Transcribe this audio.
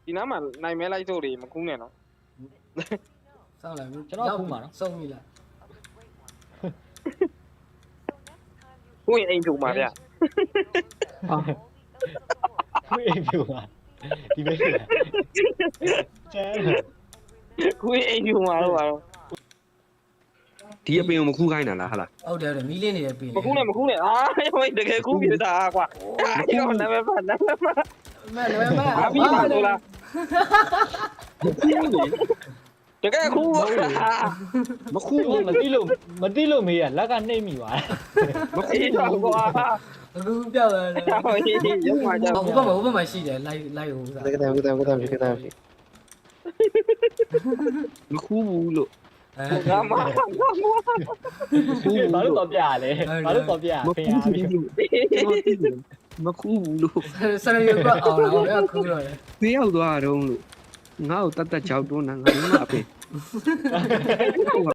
ဒီနားမှာနိုင်မဲလိုက်စို့တွေမကူးနဲ့နော်စောင်းလိုက်ကျွန်တော်ခုမှာနော်စုံပြီလားကိုရင်အိမ်ထူမှာဗျခွေးအိမ်ပြူပါဒီပဲကျဲကိုရင်အိမ်ထူမှာတော့ပါတော့ဒီအပင်ကိုမခူးခိုင်းတာလားဟာလားဟုတ်တယ်မီးလင်းနေတဲ့ပင်မကူးနဲ့အာဟိုတကယ်ကူးပြတာကွာအဲ့တော့နာမည်ပါနာမည်ပါမလွယ်မအပြီးပါလို့လားတကယ်ကူးမခူးဘူးမတိလို့မေးရလက်ကနှိမ့်မိပါမခူးအေးတော့ကွာအခုပြောက်တယ်ဟိုရုပ်မှာကြောက်ဟိုဘက်မှာရှိတယ်လိုက်ဟိုစားကတည်းကမခူးဘူးလို့ငါမဘာလို့တော့ပြရလဲဘာလို့တော့ပြရမဖေးခူးရဘူးလို့မခူးဘူးလို့ဆရရွက်အောင်တော့ခူးတော့တယ်သေးရောက်သွားတော့လို့ငါ့ကိုတတ်တတ်ကြောက်တွန်းတာငါ့မအပင်